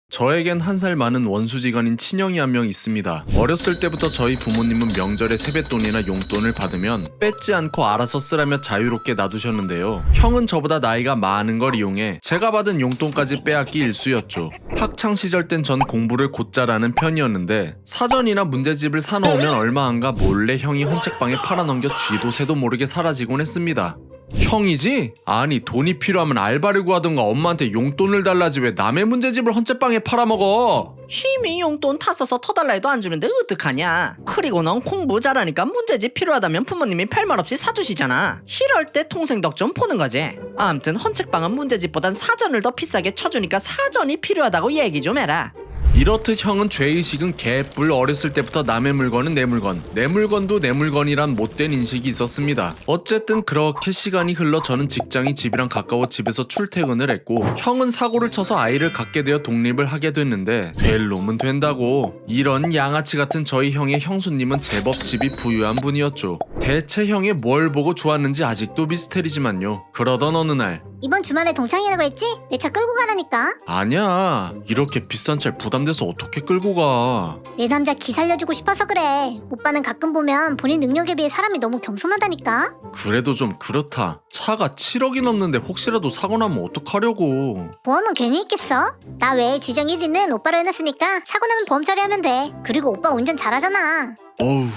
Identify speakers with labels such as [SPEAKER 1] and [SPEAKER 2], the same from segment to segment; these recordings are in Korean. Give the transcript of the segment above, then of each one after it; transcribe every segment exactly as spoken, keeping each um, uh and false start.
[SPEAKER 1] 저에겐 한 살 많은 원수지간인 친형이 한 명 있습니다. 어렸을 때부터 저희 부모님은 명절에 세뱃돈이나 용돈을 받으면 뺏지 않고 알아서 쓰라며 자유롭게 놔두셨는데요. 형은 저보다 나이가 많은 걸 이용해 제가 받은 용돈까지 빼앗기 일쑤였죠. 학창시절 땐 전 공부를 곧잘 하는 편이었는데 사전이나 문제집을 사놓으면 얼마 안가 몰래 형이 헌책방에 팔아넘겨 쥐도 새도 모르게 사라지곤 했습니다. 형이지? 아니 돈이 필요하면 알바를 구하든가 엄마한테 용돈을 달라지 왜 남의 문제집을 헌책방에 팔아먹어?
[SPEAKER 2] 힘이 용돈 타 써서 터달라 해도 안 주는데 어떡하냐. 그리고 넌 공부 잘하니까 문제집 필요하다면 부모님이 별말 없이 사주시잖아. 이럴 때 통생 덕 좀 보는 거지. 아무튼 헌책방은 문제집보단 사전을 더 비싸게 쳐주니까 사전이 필요하다고 얘기 좀 해라.
[SPEAKER 1] 이렇듯 형은 죄의식은 개뿔. 어렸을 때부터 남의 물건은 내 물건, 내 물건도 내 물건이란 못된 인식이 있었습니다. 어쨌든 그렇게 시간이 흘러 저는 직장이 집이랑 가까워 집에서 출퇴근을 했고 형은 사고를 쳐서 아이를 갖게 되어 독립을 하게 됐는데 될 놈은 된다고. 이런 양아치 같은 저희 형의 형수님은 제법 집이 부유한 분이었죠. 대체 형이 뭘 보고 좋았는지 아직도 미스테리지만요. 그러던 어느 날
[SPEAKER 3] 이번 주말에 동창이라고 했지? 내 차 끌고 가라니까.
[SPEAKER 1] 아니야, 이렇게 비싼 차를 부담돼서 어떻게 끌고 가.
[SPEAKER 3] 내 남자 기 살려주고 싶어서 그래. 오빠는 가끔 보면 본인 능력에 비해 사람이 너무 겸손하다니까.
[SPEAKER 1] 그래도 좀 그렇다. 차가 칠억이 넘는데 혹시라도 사고 나면 어떡하려고.
[SPEAKER 3] 보험은 괜히 있겠어? 나 외에 지정 일 위는 오빠로 해놨으니까 사고 나면 보험 처리하면 돼. 그리고 오빠 운전 잘하잖아.
[SPEAKER 1] 어우,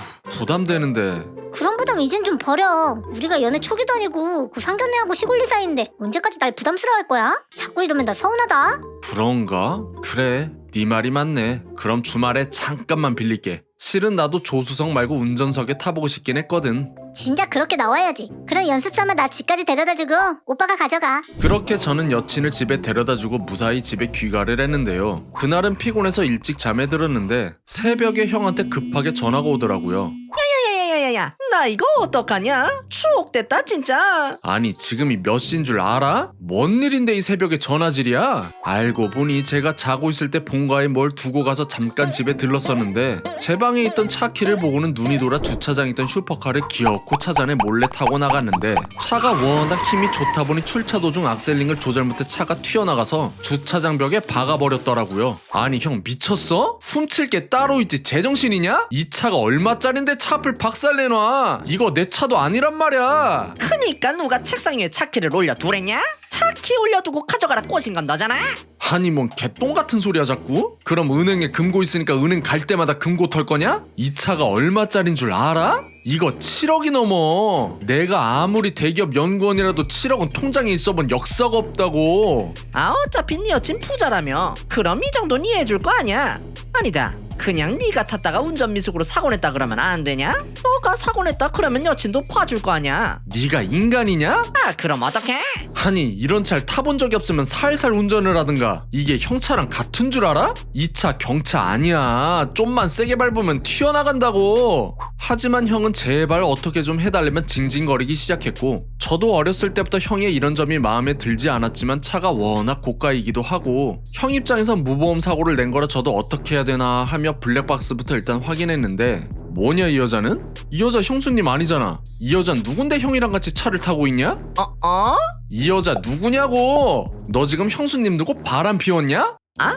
[SPEAKER 1] 부담되는데.
[SPEAKER 3] 그런 부담 이젠 좀 버려. 우리가 연애 초기도 아니고 그 상견례하고 시골리 사이인데 언제까지 날 부담스러워할 거야? 자꾸 이러면 나 서운하다.
[SPEAKER 1] 그런가? 그래, 네 말이 맞네. 그럼 주말에 잠깐만 빌릴게. 실은 나도 조수석 말고 운전석에 타보고 싶긴 했거든.
[SPEAKER 3] 진짜 그렇게 나와야지. 그럼 연습 삼아 나 집까지 데려다주고 오빠가 가져가.
[SPEAKER 1] 그렇게 저는 여친을 집에 데려다주고 무사히 집에 귀가를 했는데요. 그날은 피곤해서 일찍 잠에 들었는데 새벽에 형한테 급하게 전화가 오더라고요.
[SPEAKER 2] 야야야야야야, 나 이거 어떡하냐? 추억됐다 진짜.
[SPEAKER 1] 아니 지금이 몇 시인 줄 알아? 뭔 일인데 이 새벽에 전화질이야? 알고 보니 제가 자고 있을 때 본가에 뭘 두고 가서 잠깐 집에 들렀었는데 제 방에 있던 차 키를 보고는 눈이 돌아 주차장에 있던 슈퍼카를 기어코 차잔에 몰래 타고 나갔는데 차가 워낙 힘이 좋다 보니 출차 도중 악셀링을 조절 못해 차가 튀어나가서 주차장 벽에 박아버렸더라고요. 아니 형 미쳤어? 훔칠 게 따로 있지 제정신이냐? 이 차가 얼마짜린데 차 앞을 박살내놔. 이거 내 차도 아니란 말이야.
[SPEAKER 2] 그니까 누가 책상 위에 차키를 올려두랬냐? 차키 올려두고 가져가라 꼬신 건 너잖아.
[SPEAKER 1] 아니 뭔 개똥 같은 소리야 자꾸? 그럼 은행에 금고 있으니까 은행 갈 때마다 금고 털 거냐? 이 차가 얼마짜린 줄 알아? 이거 칠억이 넘어. 내가 아무리 대기업 연구원이라도 칠억은 통장에 있어본 역사가 없다고.
[SPEAKER 2] 아 어차피 네 여친 부자라며. 그럼 이 정도는 이해해줄 거 아니야. 아니다, 그냥 네가 탔다가 운전미숙으로 사고 냈다 그러면 안 되냐? 너가 사고 냈다 그러면 여친도 봐줄 거 아니야.
[SPEAKER 1] 네가 인간이냐?
[SPEAKER 2] 아 그럼 어떡해?
[SPEAKER 1] 아니 이런 차를 타본 적이 없으면 살살 운전을 하든가. 이게 형 차랑 같은 줄 알아? 이 차 경차 아니야. 좀만 세게 밟으면 튀어나간다고. 하지만 형은 제발 어떻게 좀 해달라면 징징거리기 시작했고 저도 어렸을 때부터 형의 이런 점이 마음에 들지 않았지만 차가 워낙 고가이기도 하고 형 입장에선 무보험 사고를 낸 거라 저도 어떻게 해야 되나 하며 블랙박스부터 일단 확인했는데 뭐냐 이 여자는? 이 여자 형수님 아니잖아. 이 여잔 누군데 형이랑 같이 차를 타고 있냐?
[SPEAKER 2] 어? 어?
[SPEAKER 1] 이 여자 누구냐고? 너 지금 형수님 두고 바람 피웠냐?
[SPEAKER 2] 아?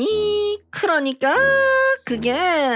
[SPEAKER 2] 아니 그러니까 그게...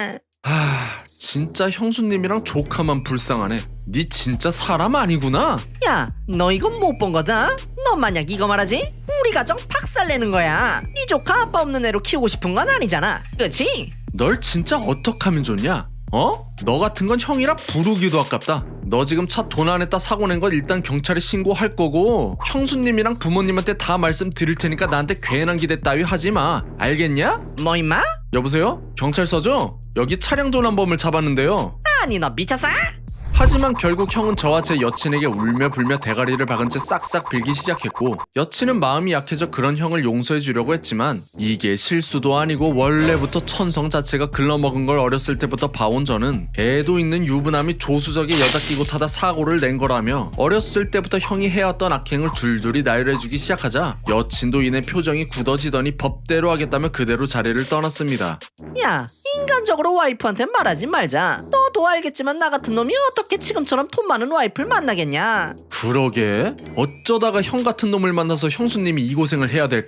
[SPEAKER 1] 하... 진짜 형수님이랑 조카만 불쌍하네. 니 진짜 사람 아니구나?
[SPEAKER 2] 야, 너 이거 못 본 거다? 너 만약 이거 말하지? 우리 가정 박살내는 거야. 네 조카 아빠 없는 애로 키우고 싶은 건 아니잖아, 그치?
[SPEAKER 1] 널 진짜 어떡하면 좋냐? 어? 너 같은 건 형이라 부르기도 아깝다. 너 지금 차 돈 안 냈다 사고 낸 건 일단 경찰에 신고할 거고 형수님이랑 부모님한테 다 말씀드릴 테니까 나한테 괜한 기대 따위 하지 마. 알겠냐?
[SPEAKER 2] 뭐 임마?
[SPEAKER 1] 여보세요? 경찰서죠? 여기 차량 도난범을 잡았는데요.
[SPEAKER 2] 아니 너 미쳤어?
[SPEAKER 1] 하지만 결국 형은 저와 제 여친에게 울며 불며 대가리를 박은 채 싹싹 빌기 시작했고 여친은 마음이 약해져 그런 형을 용서해 주려고 했지만 이게 실수도 아니고 원래부터 천성 자체가 글러먹은 걸 어렸을 때부터 봐온 저는 애도 있는 유부남이 조수석에 여자 끼고 타다 사고를 낸 거라며 어렸을 때부터 형이 해왔던 악행을 줄줄이 나열해주기 시작하자 여친도 이내 표정이 굳어지더니 법대로 하겠다며 그대로 자리를 떠났습니다.
[SPEAKER 2] 야, 인간적으로 와이프한테 말하지 말자. 너도 알겠지만 나 같은 놈이 어떻게 지금처럼 돈 많은 와이프를 만나겠냐?
[SPEAKER 1] 그러게 어쩌다가 형 같은 놈을 만나서 형수님이 이 고생을 해야 될까?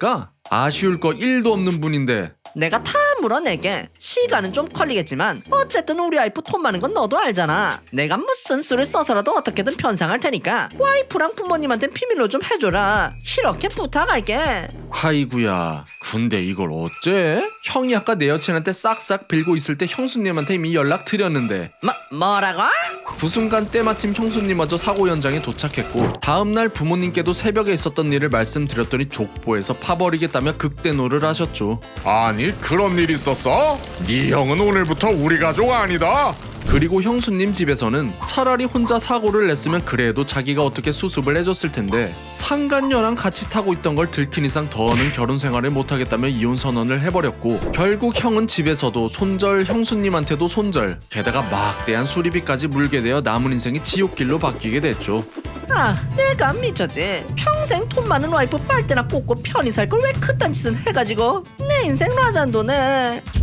[SPEAKER 1] 아쉬울 거 일도 없는 분인데.
[SPEAKER 2] 내가 다 물어내게. 시간은 좀 걸리겠지만 어쨌든 우리 와이프 돈 많은 건 너도 알잖아. 내가 무슨 수를 써서라도 어떻게든 변상할 테니까 와이프랑 부모님한테 비밀로 좀 해줘라. 이렇게 부탁할게.
[SPEAKER 1] 아이구야, 근데 이걸 어째? 형이 아까 내 여친한테 싹싹 빌고 있을 때 형수님한테 이미 연락 드렸는데.
[SPEAKER 2] 뭐, 뭐라고?
[SPEAKER 1] 그 순간 때마침 형수님마저 사고 현장에 도착했고, 다음날 부모님께도 새벽에 있었던 일을 말씀드렸더니 족보에서 파버리겠다며 극대노를 하셨죠.
[SPEAKER 4] 아니 그런 일 있었어? 네 형은 오늘부터 우리 가족 아니다.
[SPEAKER 1] 그리고 형수님 집에서는 차라리 혼자 사고를 냈으면 그래도 자기가 어떻게 수습을 해줬을 텐데, 상간녀랑 같이 타고 있던 걸 들킨 이상 더는 결혼 생활을 못하겠다며 이혼 선언을 해버렸고, 결국 형은 집에서도 손절, 형수님한테도 손절, 게다가 막대한 수리비까지 물게 되어 남은 인생이 지옥길로 바뀌게 됐죠.
[SPEAKER 2] 아, 내가 미쳤지. 평생 돈 많은 와이프 빨대나 꽂고 편히 살 걸 왜 그딴 짓은 해가지고 내 인생 라잔도네.